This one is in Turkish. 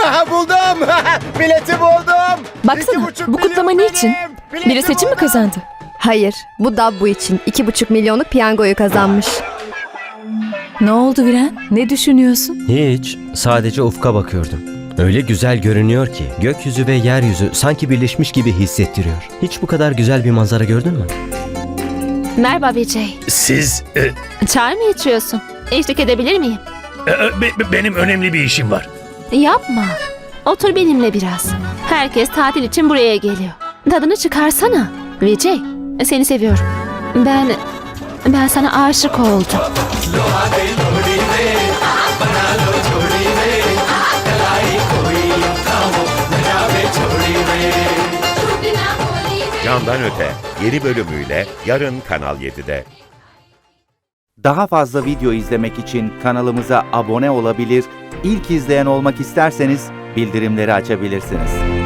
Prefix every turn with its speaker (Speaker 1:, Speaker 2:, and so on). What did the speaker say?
Speaker 1: Buldum. Bileti buldum.
Speaker 2: Baksana,
Speaker 1: 2,5
Speaker 2: bu kutlama
Speaker 1: milyon
Speaker 2: niçin?
Speaker 1: benim. Bileti
Speaker 2: Biri seçim mi
Speaker 1: buldum.
Speaker 2: kazandı?
Speaker 3: Hayır, bu Dabbu için 2,5 milyonluk piyangoyu kazanmış.
Speaker 2: Ne oldu Viren? Ne düşünüyorsun?
Speaker 4: Hiç, sadece ufka bakıyordum. Öyle güzel görünüyor ki gökyüzü ve yeryüzü sanki birleşmiş gibi hissettiriyor. Hiç bu kadar güzel bir manzara gördün mü?
Speaker 5: Merhaba Vijay.
Speaker 6: Siz...
Speaker 5: Çay mı içiyorsun? Eşlik edebilir miyim?
Speaker 6: benim önemli bir işim var.
Speaker 5: Yapma. Otur benimle biraz. Herkes tatil için buraya geliyor. Tadını çıkarsana. Vijay, seni seviyorum. Ben sana aşık oldum.
Speaker 7: Candan Öte yeni bölümüyle yarın Kanal 7'de.
Speaker 8: Daha fazla video izlemek için kanalımıza abone olabilir, ilk izleyen olmak isterseniz bildirimleri açabilirsiniz.